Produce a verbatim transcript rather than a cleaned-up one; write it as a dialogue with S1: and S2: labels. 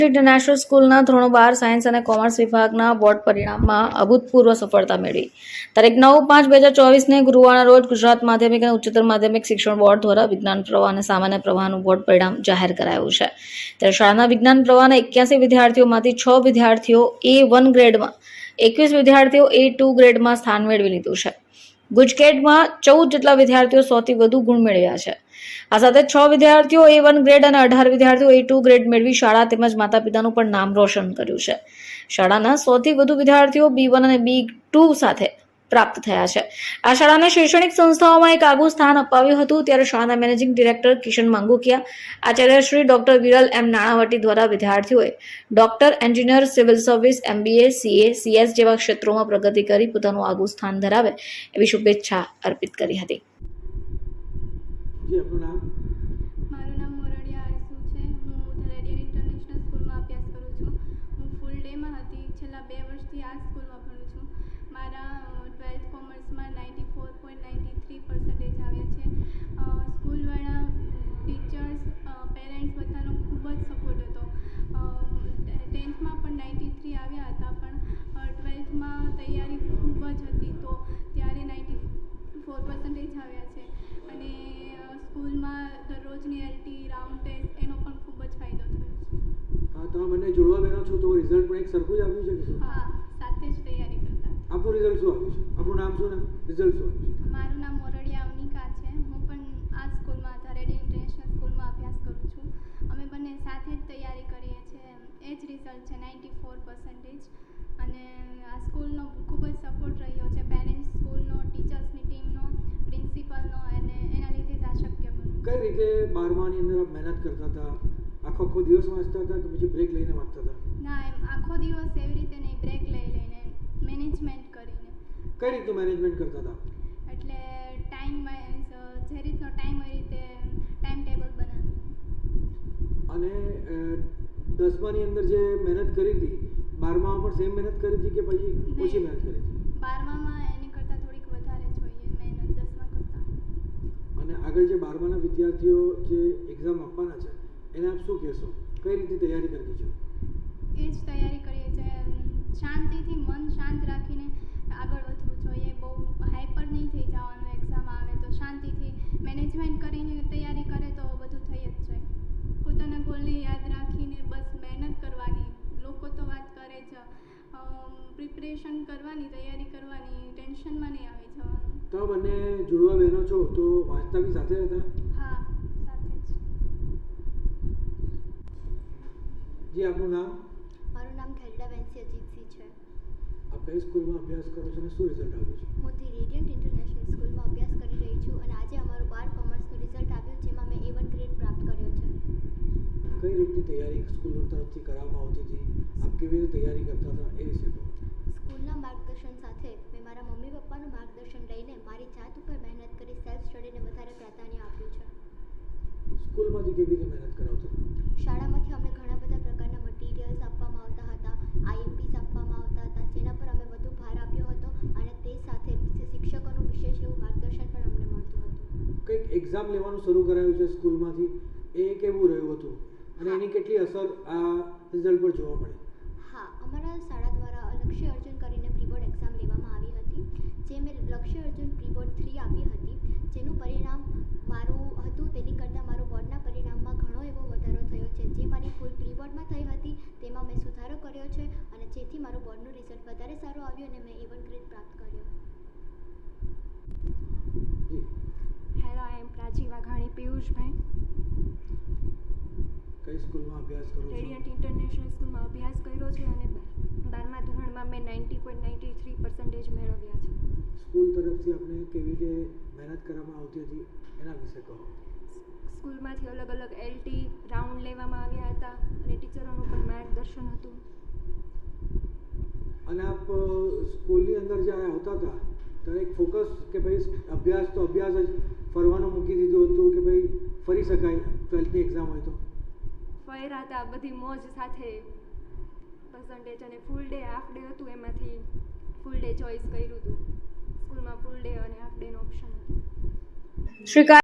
S1: International સ્કૂલના ધોરણ બાર સાયન્સ અને કોમર્સ વિભાગના બોર્ડ પરિણામમાં અભૂતપૂર્વ સફળતા મેળવી તારીખ નવ પાંચ બે હજાર ચોવીસને ગુરુવારના રોજ ગુજરાત માધ્યમિક અને ઉચ્ચતર માધ્યમિક શિક્ષણ બોર્ડ દ્વારા વિજ્ઞાન પ્રવાહ અને સામાન્ય પ્રવાહનું બોર્ડ પરિણામ જાહેર કરાયું છે. ત્યારે શાળાના વિજ્ઞાન પ્રવાહના એક્યાસી વિદ્યાર્થીઓમાંથી છ વિદ્યાર્થીઓ એ વન ગ્રેડમાં, એકવીસ વિદ્યાર્થીઓ એ ટુ ગ્રેડમાં સ્થાન મેળવી લીધું છે. ગુજકેટમાં ચૌદ જેટલા વિદ્યાર્થીઓ સૌથી વધુ ગુણ મેળવ્યા છે. આ સાથે છ વિદ્યાર્થીઓ એ વન ગ્રેડ અને અઢાર વિદ્યાર્થીઓ એ ટુ ગ્રેડ મેળવી શાળા તેમજ માતા પિતાનું પણ નામ રોશન કર્યું છે. શાળાના સૌથી વધુ વિદ્યાર્થીઓ બી વન અને બી ટુ સાથે પ્રાપ્ત થયા છે. આ શાળાને શૈક્ષણિક સંસ્થાઓમાં એક આગવું સ્થાન અપાવ્યું હતું. ત્યારે શાળાના મેનેજિંગ ડિરેક્ટર કિશન માંગુકિયા, આચાર્ય શ્રી ડોક્ટર વિરલ એમ નાણાવટી દ્વારા વિદ્યાર્થીઓએ doctor, engineer, civil service, MBA, CA, CS જેવા ક્ષેત્રોમાં પ્રગતિ કરી પોતાનું આગવું સ્થાન ધરાવે એવી શુભેચ્છા અર્પિત કરી હતી.
S2: મારું નામ મોરડિયા આરસુ છે. હું ધરેડિયન ઇન્ટરનેશનલ સ્કૂલમાં અભ્યાસ કરું છું. હું ફૂલ ડેમાં હતી. છેલ્લા બે વર્ષથી આ સ્કૂલમાં ભણું છું. મારા ટ્વેલ્થ કોમર્સમાં ninety four point ninety three percentage આવ્યા છે. સ્કૂલવાળા, ટીચર્સ, પેરેન્ટ્સ બધાનો ખૂબ જ સપોર્ટ હતો. ટેન્થમાં પણ નાઇન્ટી થ્રી આવ્યા હતા, પણ ટ્વેલ્થમાં તૈયારી ખૂબ જ હતી, તો ત્યારે નાઇન્ટી ફોર પર્સન્ટેજ આવ્યા છે. અને સ્કૂલમાં દરરોજની એલટી, રાઉન્ડ ટેસ્ટ એનો પણ ખૂબ જ ફાયદો થયો છે.
S3: હા, તમે બંને જોડવા બહેનો છો, તો રિઝલ્ટ પણ એક સરખું જ આવ્યું છે કે શું?
S2: હા, સાથે જ તૈયારી કરતા.
S3: આપણું રિઝલ્ટ શું આવ્યું છે? આપણું નામ શું ને રિઝલ્ટ શું આવ્યું છે?
S2: મારું નામ મોરડિયા અવનિકા છે. હું પણ આ સ્કૂલમાં ધરેડિયન ઇન્ટરનેશનલ સ્કૂલમાં અભ્યાસ કરું છું. અમે બંને સાથે જ તૈયારી કરીએ છીએ. એ જ રિઝલ્ટ છે નાઇન્ટી ફોર પર્સન્ટેજ. અને આ સ્કૂલનો ખૂબ જ સપોર્ટ રહ્યો છે, પેરેન્ટ્સ, સ્કૂલનો, ટીચર્સની ટીમનો, પ્રિન્સિપલનો, અને એના લીધે જ આ શક્ય બન્યું.
S3: કઈ રીતે બારમાની અંદર આપ મહેનત કરતા હતા? આખો આખો દિવસ વાંચતા હતા કે પછી બ્રેક લઈને વાંચતા હતા?
S2: ના, એમ આખો દિવસ એવી રીતે નહીં, બ્રેક લઈ લઈને, મેનેજમેન્ટ કરીને.
S3: કઈ રીતનું મેનેજમેન્ટ કરતા હતા?
S2: એટલે ટાઈમ વાઇઝ, જે રીતનો ટાઈમ હોય એ રીતે ટાઈમ ટેબલ બનાવી.
S3: અને દસમાની અંદર જે મહેનત કરી હતી, બારમામાં પણ સેમ મહેનત કરી હતી કે પછી ઓછી મહેનત કરી હતી?
S2: બારમામાં એની કરતાં થોડીક વધારે જોઈએ મહેનત દસમા કરતાં.
S3: અને આગળ જે બારમાના વિદ્યાર્થીઓ જે એક્ઝામ આપવાના છે એને આપ શું કહેશો? કઈ રીતે તૈયારી કરવી છે?
S2: એ જ તૈયારી કરીએ છીએ. શાંતિથી, મન શાંત રાખીને આગળ વધવું જોઈએ. બહુ હાઈપર નહીં થઈ જવાનું. એક્ઝામ આવે તો શાંતિથી મેનેજમેન્ટ કરીને તૈયારી કરે તો બધું થઈ જ જાય. પોતાના ગોલને યાદ રાખીને બસ મહેનત કરવાની. લોકો તો વાત કરે જ, પ્રિપરેશન કરવાની, તૈયારી કરવાની, ટેન્શનમાં નહીં આવી જવાનું.
S3: તો બંને જોડવા બહેનો છો, તો વાંચતા બી સાથે હતા?
S2: હા, સાથે જ.
S3: જી, આપનું નામ?
S4: મારું નામ ખેલડા વેન્સી અજીતસિંહ છે.
S3: આપ કઈ સ્કૂલમાં અભ્યાસ કરો છો અને શું રિઝલ્ટ આવ્યું છે?
S4: હું ધી રેડિયન્ટ ઇન્ટરનેશનલ સ્કૂલમાં અભ્યાસ કરી રહી છું અને આજે અમારું બાર કોમર્સનું રિઝલ્ટ આવ્યું, જેમાં મેં એ વન ગ્રેડ પ્રાપ્ત કર્યો છે.
S3: કઈ રીતની તૈયારી સ્કૂલ તરફથી કરવામાં આવતી હતી? આપ કેવી રીતે તૈયારી કરતા હતા એ વિશે કહો.
S4: સ્કૂલના માર્ગદર્શન સાથે મેં મારા મમ્મી પપ્પાનું માર્ગદર્શન લઈને મારી જાત ઉપર મહેનત કરી સેલ્ફ સ્ટડીને વધારે પ્રાધાન્ય આપ્યું છે.
S3: સ્કૂલમાંથી કેવી રીતે મહેનત કરાવતા હતા?
S4: શાળામાંથી અમને ઘણા બધા પ્રકારના મટીરિયલ્સ આપવામાં આવતા હતા, આઈએમપીસ આપવામાં આવતા હતા, જેના પર અમે વધુ ભાર આપ્યો હતો, અને તે સાથે શિક્ષકોનું વિશેષ એવું માર્ગદર્શન પણ અમને મળતું હતું.
S3: કંઈક એક્ઝામ લેવાનું શરૂ કરાયું છે સ્કૂલમાંથી, એ કેવું રહ્યું હતું અને એની કેટલી અસર આ રિઝલ્ટ પર જોવા મળી?
S4: હા, અમારા શાળા દ્વારા લક્ષ્ય અર્જુન કરીને પ્રી બોર્ડ એક્ઝામ લેવામાં આવી હતી, જે મેં લક્ષ્ય અર્જુન પ્રી બોર્ડ થ્રી આપી હતી, જેનું પરિણામ મારું હતું તેની કરતાં મારું બોર્ડના પરિણામમાં ઘણો એવો વધારો થયો છે. જે મારી ભૂલ પ્રી બોર્ડમાં થઈ હતી તેમાં મેં સુધારો કર્યો છે, અને જેથી મારું બોર્ડનું રિઝલ્ટ વધારે સારું આવ્યું અને મેં એ વન ગ્રેડ પ્રાપ્ત કર્યો.
S5: Hello, I am Prachi Vaghani Piyushbhai.
S3: કઈ સ્કૂલમાં અભ્યાસ કરો છો?
S5: રેડિયન્ટ ઇન્ટરનેશનલ સ્કૂલમાં અભ્યાસ કર્યો છે અને બારમા ધોરણમાં મેં ninety point ninety three percentage મેળવ્યા છે.
S3: સ્કૂલ તરફથી આપણે કેવી રીતે મહેનત કરવામાં આવતી હતી એના વિશે કહો.
S5: સ્કૂલમાંથી અલગ અલગ એલટી, રાઉન્ડ લેવામાં આવ્યા હતા અને ટીચરોનું પણ માર્ગદર્શન હતું.
S3: અને આપ સ્કૂલની અંદર જ્યારે આવતા હતા ત્યારે એક ફોકસ કે ભાઈ અભ્યાસ તો અભ્યાસ જ, ફરવાનું મૂકી દીધું હતું કે ભાઈ ફરી શકાય ટ્વેલ્થની એક્ઝામ હોય તો?
S5: ફર્યા હતા, બધી મોજ સાથે પર્સન્ટેજ, અને ફૂલ ડે, હાફ ડે હતું, એમાંથી ફૂલ ડે ચોઈસ કર્યું હતું. સ્કૂલમાં ફૂલ ડે અને હાફ ડેનો ઓપ્શન હતો.
S1: શ્રી